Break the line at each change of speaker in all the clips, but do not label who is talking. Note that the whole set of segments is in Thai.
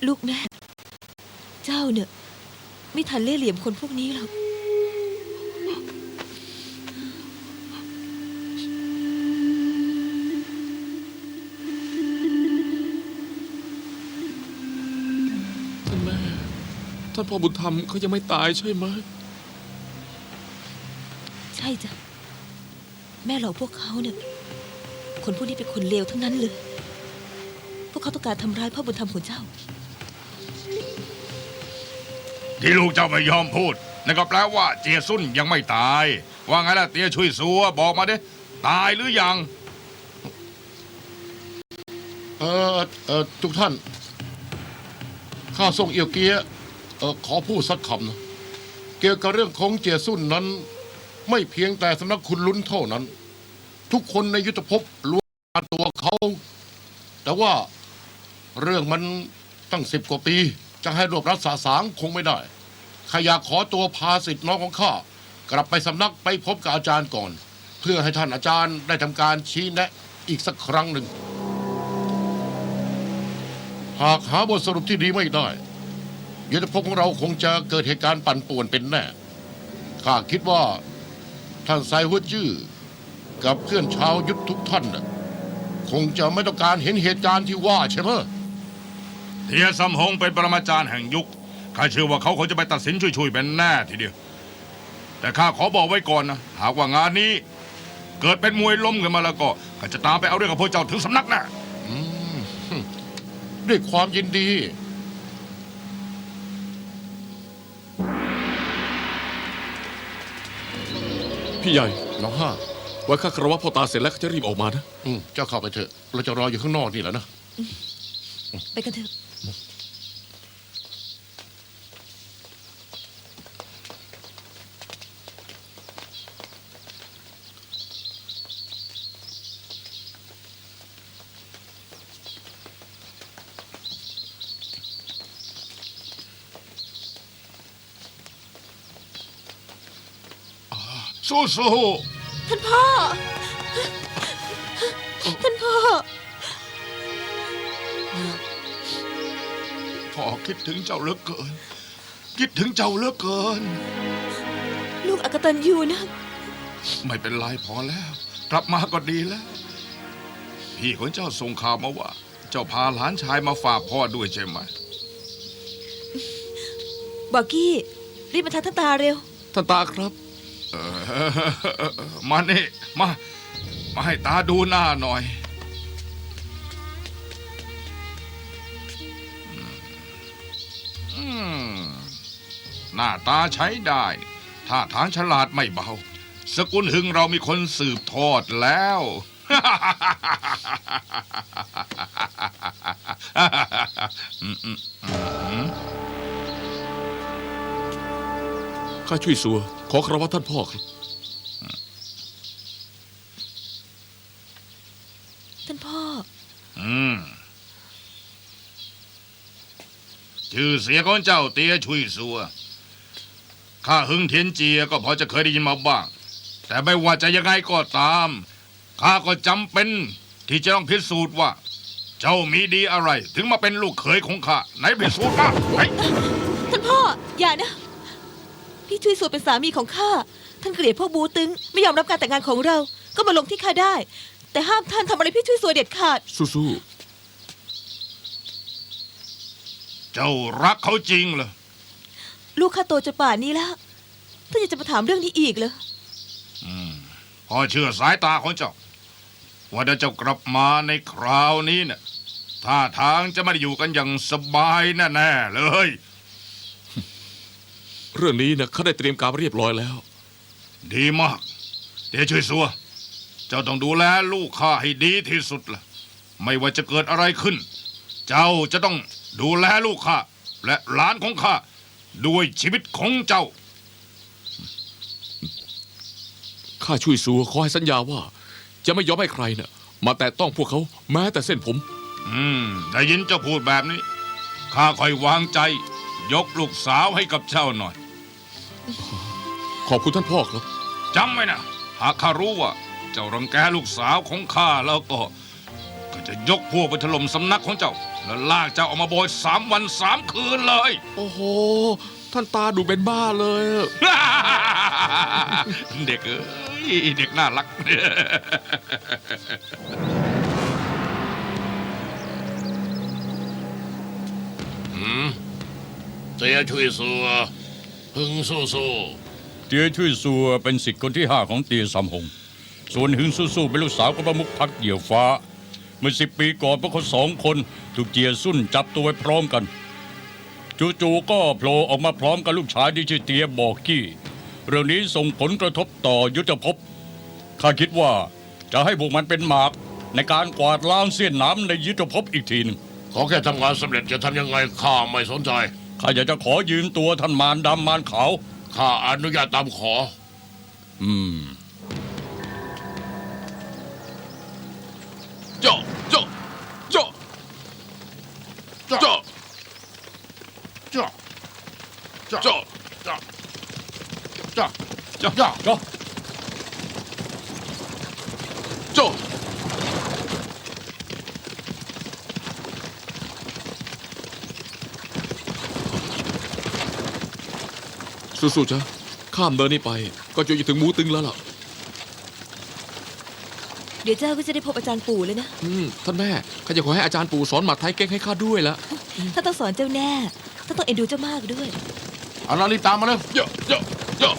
ลูกแม่เจ้าเนี่ยไม่ทันเล่ห์เหลี่ยมคนพวกนี้หรอก
ท่านแม่ท่านพ่อบุญธรรมเขายังไม่ตายใช่ไหม
ใช่จ้ะแม่หลอกพวกเขาเนี่ยคนพวกนี้เป็นคนเลวทั้งนั้นเลยพวกเขาต้องการทำร้ายพ่อบุญธรรมของเจ้า
ที่ลูกเจ้าไม่ยอมพูดนั่นก็แปลว่าเจียซุ่นยังไม่ตายว่าไงล่ะเตี้ยช่วยซัวบอกมาดิตายหรือยัง
ทุกท่านข้าส่งเอี่ยวเกียขอพูดสักคำนะเกี่ยวกับเรื่องของเจียซุ่นนั้นไม่เพียงแต่สำนักคุณลุ้นเท่านั้น ทุกคนในยุทธภพล้วนการตัวเขาแต่ว่าเรื่องมันตั้ง10 กว่าปีจะให้รวบรัดสาสางคงไม่ได้ข้าอยากขอตัวพาสิทธิ์น้องของข้ากลับไปสำนักไปพบกับอาจารย์ก่อนเพื่อให้ท่านอาจารย์ได้ทำการชี้แนะอีกสักครั้งหนึ่งหากหาบทสรุปที่ดีไม่ได้ยุทธภพของเราคงจะเกิดเหตุการณ์ปั่นป่วนเป็นแน่ข้าคิดว่าท่านไซหัวจื้อกับเพื่อนชาวยุทธทุกท่านคงจะไม่ต้องการเห็นเหตุการณ์ที่ว่าใช่ไหม
เทียซัมฮงเป็นปรมาจารย์แห่งยุคข้าเชื่อว่าเขาคงจะไปตัดสินช่วยๆเป็นแน่ทีเดียวแต่ข้าขอบอกไว้ก่อนนะหากว่างานนี้เกิดเป็นมวยล้มขึ้นมาแล้วก็ข้าจะตามไปเอาเรื่องกับพวกเจ้าถึงสำนักนะ
ด้วยความยินดี
พี่ใหญ่
น้องห้า
ไว้ข้าคารวะพ่อตาเสร็จแล้วจะรีบออกมานะ
เจ้าเข้าไปเถอะเราจะรออยู่ข้างนอกนี่แหละนะ
ไปกันเถอะ
สู้
ท่านพ่อท่านพ่อ
พ่อคิดถึงเจ้าเหลือเกินคิดถึงเจ้าเหลือเกิน
ลูกอกตัญญูนะ
ไม่เป็นไรพอแล้วกลับมาก็ดีแล้วพี่ของเจ้าส่งข่าวมาว่าเจ้าพาหลานชายมาฝากพ่อด้วยใช่ไหม
บอกกี้รีบมาทางท่านตาเร็ว
ท่านตาครับ
มานี่มาให้ตาดูหน้าหน่อยหน้าตาใช้ได้ท่าทางฉลาดไม่เบาสกุลหึงเรามีคนสืบทอดแล้ว
ข้าช่วยสัวขอคารวะท่านพ่อครับ
ท่านพ่อ
ชื่อเสียของเจ้าเตี้ยช่วยสัวข้าหึงเทียนเจียก็พอจะเคยได้ยินมาบ้างแต่ไม่ว่าจะยังไงก็ตามข้าก็จำเป็นที่จะต้องพิสูจน์ว่าเจ้ามีดีอะไรถึงมาเป็นลูกเขยของข้าไหนพิสูจน์มา
ท่านพ่ออย่านะพี่ช่วยสัวเป็นสามีของข้าท่านเกลียดพวกบูตึงไม่ยอมรับการแต่งงานของเราก็มาลงที่ข้าได้แต่ห้ามท่านทำอะไรพี่ช่วยสัวเด็ดขาด
สู้
เจ้ารักเขาจริงเหรอ
ลูกข้าโตจนป่านนี้แล้วท่านยังจะมาถามเรื่องนี้อีกเหรอ
พ่อเชื่อสายตาของเจ้าว่าเจ้ากลับมาในคราวนี้เนี่ยท่าทางจะไม่ได้อยู่กันอย่างสบายแน่ๆเลย
เรื่องนี้นะข้าได้เตรียมการเรียบร้อยแล้ว
ดีมากเดี๋ยวช่วยสัวเจ้าต้องดูแลลูกข้าให้ดีที่สุดล่ะไม่ว่าจะเกิดอะไรขึ้นเจ้าจะต้องดูแลลูกข้าและหลานของข้าด้วยชีวิตของเจ้า
ข้าช่วยสัวขอให้สัญญาว่าจะไม่ยอมให้ใครน่ะมาแตะต้องพวกเขาแม้แต่เส้นผม
ได้ยินเจ้าพูดแบบนี้ข้าค่อยวางใจยกลูกสาวให้กับเจ้าหน่อย
ขอบคุณท่านพ่อครับ
จำไว้นะหากข้ารู้ว่าเจ้ารังแกลูกสาวของข้าแล้วก็จะยกพวกไปถล่มสำนักของเจ้าแล้วลากเจ้าออกมาโบย3 วัน 3 คืนเลย
โอ้โห ท่านตาดูเป็นบ้าเลย
เด็กเอ้ยเด็กน่ารัก
เจียช่วยสัวพึงสู้
เตียช่วยซัวเป็นสิทธิ์คนที่ 5ของเตียสำหง ส่วนหึงสู้ๆเป็นลูกสาวของประมุขพรรคเหยี่ยวฟ้า เมื่อ10 ปีก่อนพวกเขา2 คนถูกเจียซุ่นจับตัวไว้พร้อมกัน จู่ๆก็โผล่ออกมาพร้อมกับลูกชายที่ชื่อเตียบอกกี้ เรื่องนี้ส่งผลกระทบต่อยุทธภพข้าคิดว่าจะให้พวกมันเป็นหมากในการกวาดล้างเสี้ยนน้ำในยุทธภพอีกทีหนึง
ๆขอแค่ทำงานสำเร็จจะทำยังไงข้าไม่สนใจ
ข้าอยากจะขอยืมตัวท่านมารดำมารขาว
ข้าอนุญาตตามขอ
เจาะเจาะเจาะ
เจาะ
เจาะ
เจาะ
เจาะ
เจาะเจาะเจาะเจาะ
ก็
เจาะสู้ๆจ้ะข้ามเดินนี่ไป ก็จะถึงมูตึงแล้วล่ะ
เดี๋ยวเจ้าก็จะได้พบอาจารย์ปู่เลยนะ
ท่านแม่ข้าจะขอให้อาจารย์ปู่สอนหมัดไทยเก่งให้ข้าด้วยละ
ถ้าต้องสอนเจ้าแน่ถ้าต้องเอ็นดูเจ้ามากด้วย
เอาล่ะรีบตามมาเลย
เยอะเยอะเยอะ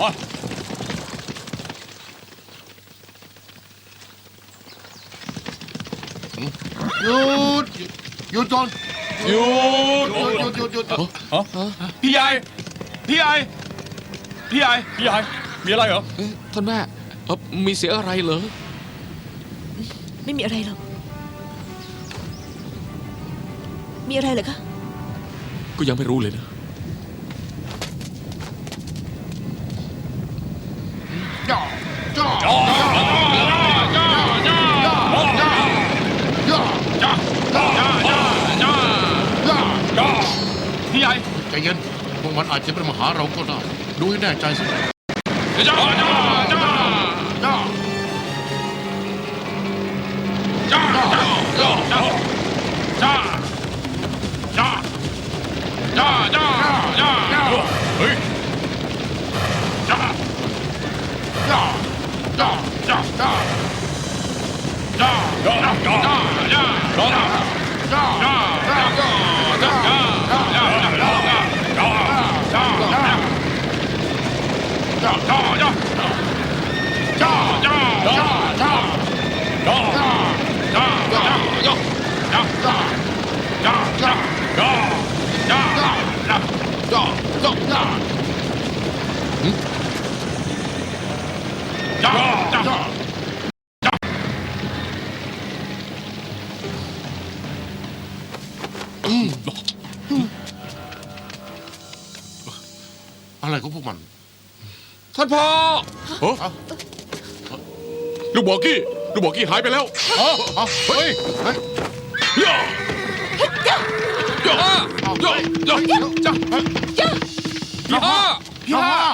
หยุดหยุดก่อน
หยุด
หยุด
พี่ใหญ่พี่ใหญ่พี่ใหญ่พี่ใหญ่มีอะไรเหรอ
เอ๊ะท่านแม่มีเสียงอะไรเหรอ
ไม่มีอะไรหรอก มีอะไรเหรอคะ
ก็ยังไม่รู้เลยนะ
เจาะเจาะเจาะเจาะเจาะเจาะเจาะ
พี่ใหญ่
ใจเย็นพวกมันอาจจะเป็นมาหาเราก็ได้ดูให้แน่ใจสิ
จ้าจ้าจ้า
เจาะ
จ้าจ้าจ้าจ้าจ้าจ้าจ้าจ้าจ้า
เฮ้ย
จ้า
เจาะเจาะเจาะเจาะ
จ้าจ้าจ้าจ้าจ้า
เจาะ
จ้าจ้าจ้าจ้าจ้า
อะไรของพวกมัน
ท่านพ่อลูกบอกกี้หายไปแล้ว
เฮ้ยเฮ้ย
ย่าย่าย่าย่าย่า
เฮ้ย
พี่ห้า
พี่ห้า